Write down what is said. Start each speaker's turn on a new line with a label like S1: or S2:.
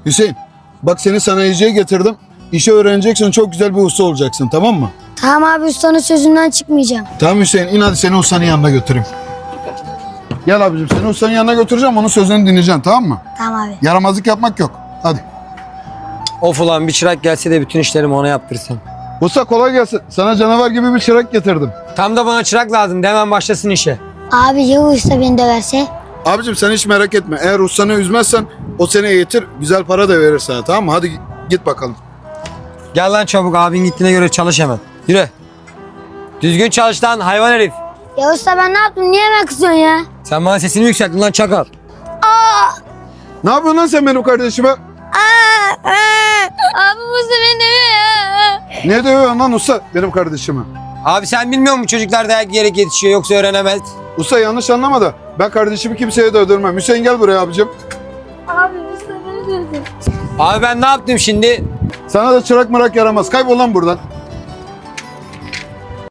S1: Hüseyin, bak seni sanayiciye getirdim. İşi öğreneceksin, çok güzel bir usta olacaksın, tamam mı?
S2: Tamam abi, ustanın sözünden çıkmayacağım.
S1: Tamam Hüseyin, in hadi seni ustanın yanına götüreyim. Gel abicim, seni ustanın yanına götüreceğim, onun sözünü dinleyeceksin, tamam mı?
S2: Tamam abi.
S1: Yaramazlık yapmak yok. Hadi.
S3: Of ulan bir çırak gelse de bütün işlerimi ona yaptırsam.
S1: Usta kolay gelsin. Sana canavar gibi bir çırak getirdim.
S3: Tam da bana çırak lazım. De hemen başlasın işe.
S2: Abi ya o usta beni döverse?
S1: Abicim sen hiç merak etme. Eğer ustanı üzmezsen o seni eğitir, güzel para da verir sana, tamam mı? Hadi git bakalım.
S3: Gel lan çabuk, abin gittiğine göre çalış hemen. Yürü. Düzgün çalış lan hayvan herif.
S2: Ya usta ben ne yaptım? Niye hemen kızıyorsun ya?
S3: Sen bana sesini yükselttin lan çakal.
S1: Ne yapıyorsun lan sen benim kardeşime?
S2: Abi bu usta beni dövüyor ya.
S1: Ne dövüyorsun lan usta benim kardeşime?
S3: Abi sen bilmiyor musun çocuklar dayak yiyerek yetişiyor yoksa öğrenemez.
S1: Usta yanlış anlama da ben kardeşimi kimseye dövdürmem. Hüseyin gel buraya abicim.
S2: Abi usta beni dövdü.
S3: Abi ben ne yaptım şimdi?
S1: Sana da çırak mırak yaramaz. Kaybol lan buradan.